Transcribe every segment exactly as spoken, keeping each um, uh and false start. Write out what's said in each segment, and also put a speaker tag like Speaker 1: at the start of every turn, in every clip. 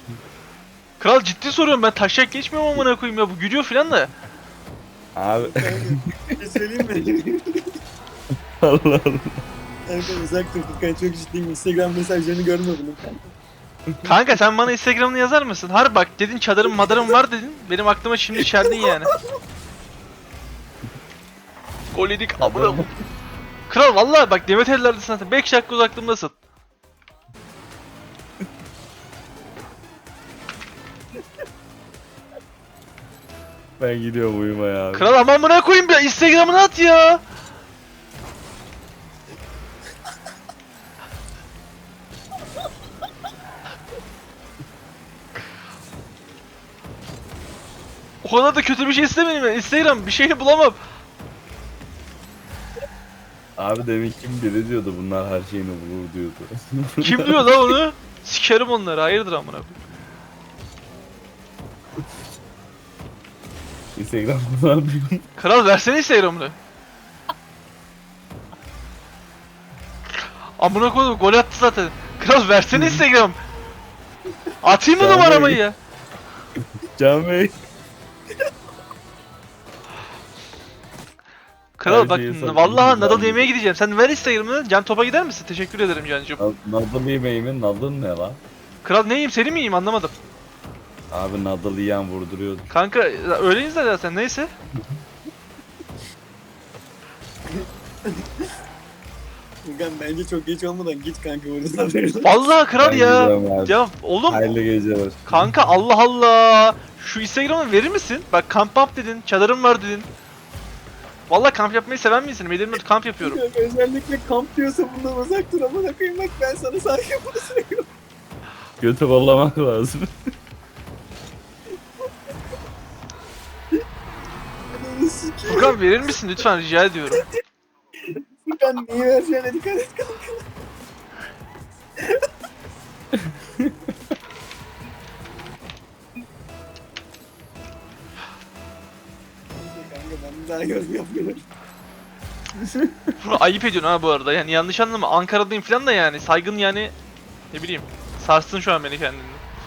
Speaker 1: Kral ciddi soruyorum, ben taşak geçmiyorum amına koyayım ya, bu gülüyor filan da.
Speaker 2: Abi
Speaker 3: Bir şey söyleyeyim mi?
Speaker 2: Allah Allah.
Speaker 3: Kanka uzak dur Furkan, çok ciddiyim. Instagram mesajlarını görme bunun kanka.
Speaker 1: Kanka sen bana Instagram'ını yazar mısın? Har bak dedin çadırım madarım var dedin. Benim aklıma şimdi çeldin yani. Gol yedik amına koyayım. Kral vallahi bak Demet ellerdesin zaten. beş dakika uzaklığımdasın.
Speaker 2: Ben gidiyorum uyumaya abi.
Speaker 1: Kral aman buna koyayım ya, Instagram'ını at ya. O kadar da kötü bir şey istemedim ya. Instagram bir şeyini bulamam.
Speaker 2: Abi demin kim biri diyordu bunlar her şeyini bulur diyordu.
Speaker 1: Kim diyor lan onu? Sikerim onları, hayırdır amına koyayım.
Speaker 2: Instagram kullanmıyorum.
Speaker 1: Kral versene Instagram'ını. Amına koydum, gol attı zaten. Kral versene Instagram. Atayım mı
Speaker 2: Canım
Speaker 1: numaramı
Speaker 2: benim.
Speaker 1: ya?
Speaker 2: Can Bey.
Speaker 1: Kral
Speaker 2: Her
Speaker 1: bak
Speaker 2: şeyi satayım,
Speaker 1: vallahi
Speaker 2: güzel
Speaker 1: Nadal
Speaker 2: bir-
Speaker 1: yemeye gideceğim. Sen ver Instagram'ını. Can Top'a gider misin? Teşekkür ederim Cancığım.
Speaker 2: Nadal yemeğimin Nadal ne lan?
Speaker 1: Kral ne yiyeyim, seni mi yiyeyim anlamadım.
Speaker 2: Abi Nadal yiyen vurduruyordu.
Speaker 1: Kanka öyleyiz de zaten, neyse.
Speaker 3: Furkan bence çok geç olmadan git kanka buradan.
Speaker 1: Vallahi kral
Speaker 2: Ben
Speaker 1: ya.
Speaker 2: gidiyorum abi.
Speaker 1: Ya oğlum
Speaker 2: Hayırlı geceler.
Speaker 1: kanka Allah Allah. Şu Instagram'ı verir misin? Bak kamp yap dedin, çadırım var dedin. Vallahi kamp yapmayı seven misin? Benim kamp yapıyorum.
Speaker 3: Kanka özellikle kamp diyorsa bundan uzak dur, amına koyayım, bak ben sana saygı basıyorum.
Speaker 2: Götü kollamak lazım.
Speaker 3: Ananı sikeyim.
Speaker 1: Furkan verir misin lütfen, rica ediyorum.
Speaker 3: Furkan niye vereceğine dikkat et kanka. Kanka ben bir daha yorum yapmıyorum.
Speaker 1: Bunu ayıp ediyorsun ha bu arada. Yani yanlış anlama. Ankara'dayım falan da yani. Saygın yani, ne bileyim. Sarstın şu an beni kendini.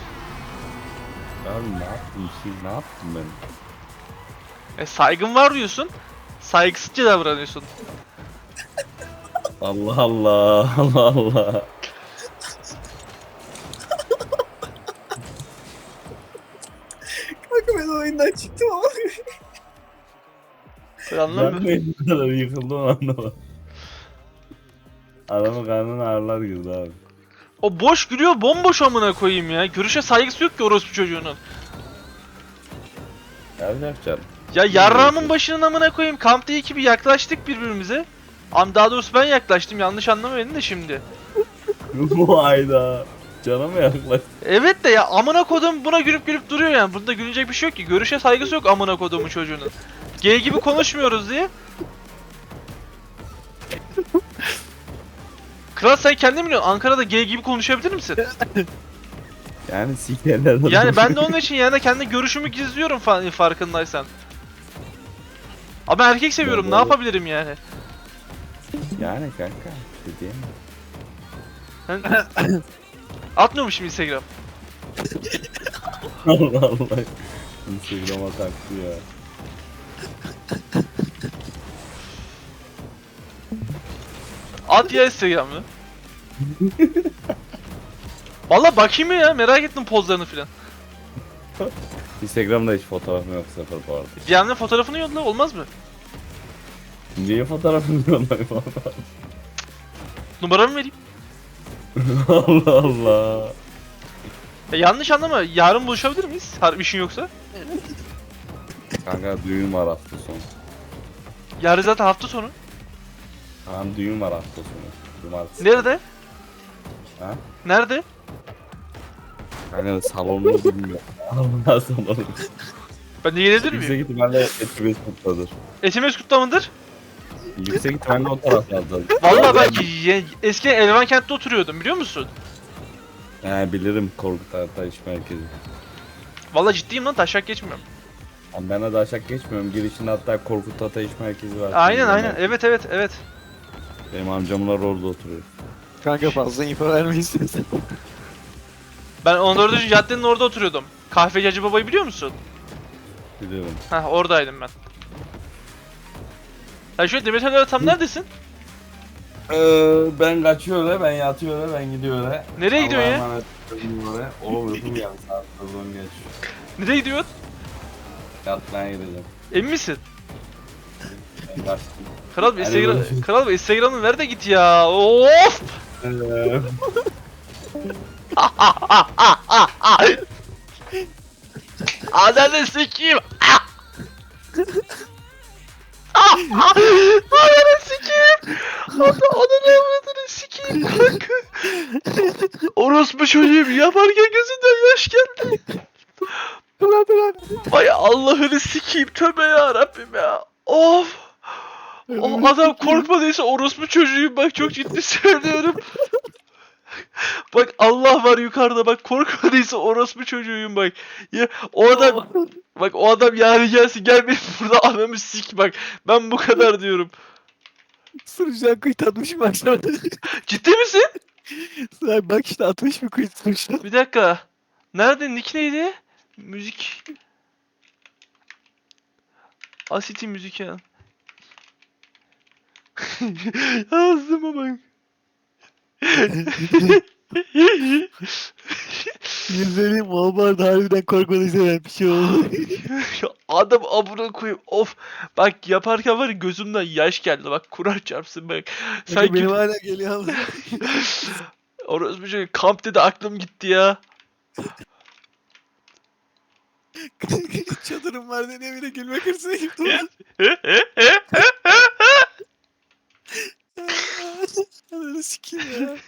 Speaker 2: Abi ne yaptım ki? Ne yaptım ben?
Speaker 1: E, saygın var diyorsun. Saygısızca davranıyorsun.
Speaker 2: Allah Allah. Allah Allah.
Speaker 3: Kanka ben oyundan çıktım ama.
Speaker 1: Ben
Speaker 2: Ben
Speaker 1: anlamıyorum.
Speaker 2: de bu kadar yıkıldım anlamadım. Adamın karnına ağrılar girdi abi.
Speaker 1: O boş gülüyor, bomboş amına koyayım ya. Görüşe saygısı yok ki orospu çocuğunun.
Speaker 2: Yapacak canım.
Speaker 1: Ya yarrağımın başının amına koyayım. Kampta iki bir yaklaştık birbirimize. Am daha doğrusu ben yaklaştım. Yanlış anlama beni de şimdi.
Speaker 2: Bu ayda. Cana mı yaklaş?
Speaker 1: Evet de ya amına kodum buna gülüp gülüp duruyor yani. Bunda gülünecek bir şey yok ki. Görüşe saygısı yok amına kodumun çocuğunun. Gay gibi konuşmuyoruz diye. Kral sen kendin biliyorsun. Ankara'da gay gibi konuşabilir misin?
Speaker 2: Yani sikerler adamı.
Speaker 1: Yani ben de onun için yani kendi görüşümü gizliyorum fa- farkındaysan. Ama ben erkek seviyorum. Ne
Speaker 2: Doğru.
Speaker 1: yapabilirim yani?
Speaker 2: Yani kanka. Bir şey diyemem.
Speaker 1: Ben... Atmıyormuşum Instagram.
Speaker 2: Allah Allah. Instagram'a taktı ya.
Speaker 1: At ya Instagram'ı. Valla bakayım ya, merak ettim pozlarını filan.
Speaker 2: Instagram'da hiç fotoğrafım yok, sıfır bu arada.
Speaker 1: D M'den fotoğrafını yolla, olmaz mı?
Speaker 2: Niye fotoğrafım yollayayım Allah
Speaker 1: Numaramı vereyim.
Speaker 2: Allah Allah.
Speaker 1: Ya yanlış anlama, yarın buluşabilir miyiz? Harbi işin yoksa.
Speaker 2: Kanka düğün var hafta sonu.
Speaker 1: Yarın zaten hafta sonu.
Speaker 2: Tamam düğün var hafta sonu. Cumartesi.
Speaker 1: Nerede?
Speaker 2: Ha?
Speaker 1: Nerede?
Speaker 2: Kanka salonunu bilmiyorum. Allah salonu.
Speaker 1: Ben de gelebilir miyim?
Speaker 2: Yüksek ihtimalle etimiz kutladır.
Speaker 1: Etimiz kutlamadır.
Speaker 2: Yüksek ihtimalle o taraflardadır.
Speaker 1: Vallahi ben ye- eskiden Elvankent'te oturuyordum, biliyor musun?
Speaker 2: He bilirim Korkut Artaş merkezi.
Speaker 1: Vallahi ciddiyim lan, taşak geçmiyorum.
Speaker 2: Ama ben de aşağı geçmiyorum. Girişinde hatta Korkut Ateş merkezi var.
Speaker 1: Aynen
Speaker 2: Bilmiyorum
Speaker 1: aynen,
Speaker 2: ben.
Speaker 1: evet evet evet.
Speaker 2: Benim amcamlar orada oturuyor.
Speaker 3: Kanka fazla info verme istiyorsan.
Speaker 1: Ben on dördüncü caddenin orada oturuyordum. Kahveci Hacı Baba'yı biliyor musun?
Speaker 2: Biliyorum.
Speaker 1: Heh, oradaydım ben. Sen şu an Demet Akalın'da tam neredesin?
Speaker 2: Ee, ben kaçıyor öyle, ben yatıyor öyle, ben gidiyor öyle.
Speaker 1: Nereye gidiyorsun ya?
Speaker 2: Allah'a emanet olun öyle. Oğlum uykum geldi, saat on geç.
Speaker 1: Nereye gidiyorsun?
Speaker 2: Yatmaya gideceğim.
Speaker 1: Emin misin?
Speaker 2: Ben kaçtım.
Speaker 1: Kral bir
Speaker 2: Hadi
Speaker 1: Instagram,
Speaker 2: görüşürüz.
Speaker 1: kral bir Instagram'ını ver de git ya. Of!
Speaker 2: Ee,
Speaker 1: Ananı sikeyim. Ananı sikeyim. Ananı avradını sikeyim kanka. Orospu çocuğum yaparken gözünden yaş geldi. Vay Allah'ını sikeyim, tövbe ya Rabbim ya. Of. O adam korkmadıysa orospu çocuğuyum, bak çok ciddi söylüyorum. Bak Allah var yukarıda, bak korkmadıysa orospu çocuğuyum bak. Ya o adam bak o adam yani gelsin, gel benim burada anamı sik bak. Ben bu kadar diyorum.
Speaker 3: Sırıcıdan kuyut atmışım aşağıda.
Speaker 1: Ciddi misin?
Speaker 3: Sen bak işte atmış bir kuyut sırıcıdan.
Speaker 1: Bir dakika. Nerede, nick neydi? Müzik. Asiti müzik ya. Yazdıma bak.
Speaker 3: Yüzlerim Walmart harbiden korkmadıysa ben bir şey oldu.
Speaker 1: Adam amına koyayım, of. Bak yaparken var ya gözümden yaş geldi, bak Kur'an çarpsın bak.
Speaker 3: Sanki benim
Speaker 1: Sanki
Speaker 3: hala geliyor ama.
Speaker 1: orası bir şey, kamp dedi aklım gitti ya.
Speaker 3: Çadırım var diye evine gülme kırsına gittim. Ananı sikeyim ya.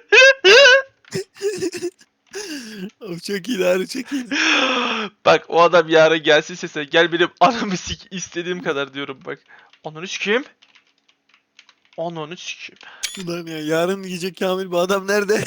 Speaker 3: Of çok iyi Harun çok iyi.
Speaker 1: Bak o adam yarın gelsin sese, gel benim anamı sik, istediğim kadar diyorum bak. Ananı sikeyim. Ananı sikeyim.
Speaker 3: Ulan ya yarın yiyecek Kamil bu adam nerede?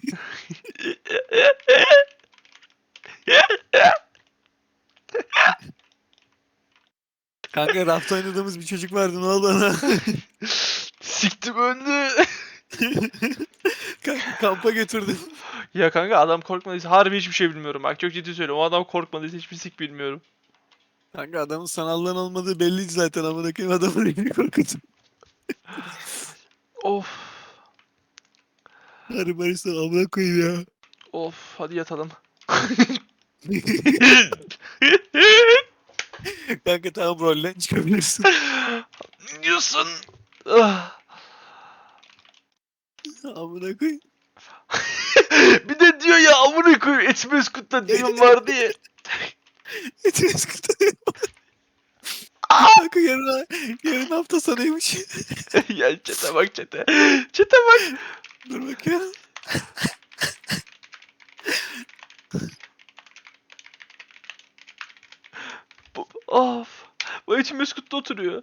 Speaker 3: Kanka rafta oynadığımız bir çocuk vardı ne oldu ona?
Speaker 1: Siktim önünü.
Speaker 3: Kanka kampa götürdüm.
Speaker 1: Ya kanka adam korkmadıysa harbi hiçbir şey bilmiyorum, bak çok ciddi söylüyorum. O adam korkmadıysa hiçbir sik bilmiyorum.
Speaker 3: Kanka adamın sanallığın olmadığı belliydi zaten amına koyayım adamın elini korkutun.
Speaker 1: Of.
Speaker 3: Harbi Barış'tan amına koyayım ya.
Speaker 1: Of hadi yatalım.
Speaker 3: Kanka tamam rollen çıkabilirsin.
Speaker 1: Ne diyorsun? Ah.
Speaker 3: Amına koyayım.
Speaker 1: Bir de diyor ya amına koyayım, Etmez Kut'ta düğün var diye.
Speaker 3: Etimiz kurtarıyor. Kanka yarın, yarın hafta sonuymuş.
Speaker 1: Ya çete bak çete. Çete bak.
Speaker 3: Dur bakayım.
Speaker 1: Bu, of. Bu Etmez Kut'ta oturuyor.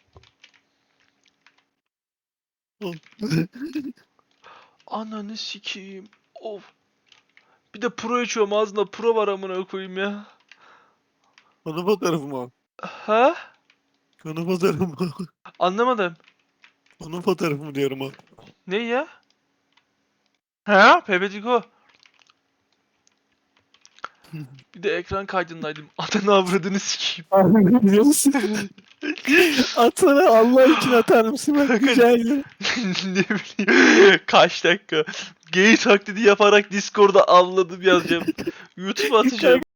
Speaker 1: Ananı sikeyim. Of. Bir de pro içiyorum, ağzında pro var amına koyayım ya.
Speaker 3: Konu fotoğrafı mı o?
Speaker 1: Ha?
Speaker 3: Konu fotoğrafı mı?
Speaker 1: Anlamadım.
Speaker 3: Konu fotoğrafı mı diyorum o.
Speaker 1: Ne ya? Ha? Pepetiko. Bir de ekran kaydındaydım. Adını avradını sikeyim.
Speaker 3: Biliyor musun? Atsana Allah için atar mısın? Ben rica ederim.
Speaker 1: Ne bileyim. Kaç dakika. Gay taklidi yaparak Discord'da avladım yazacağım. YouTube'a atacağım.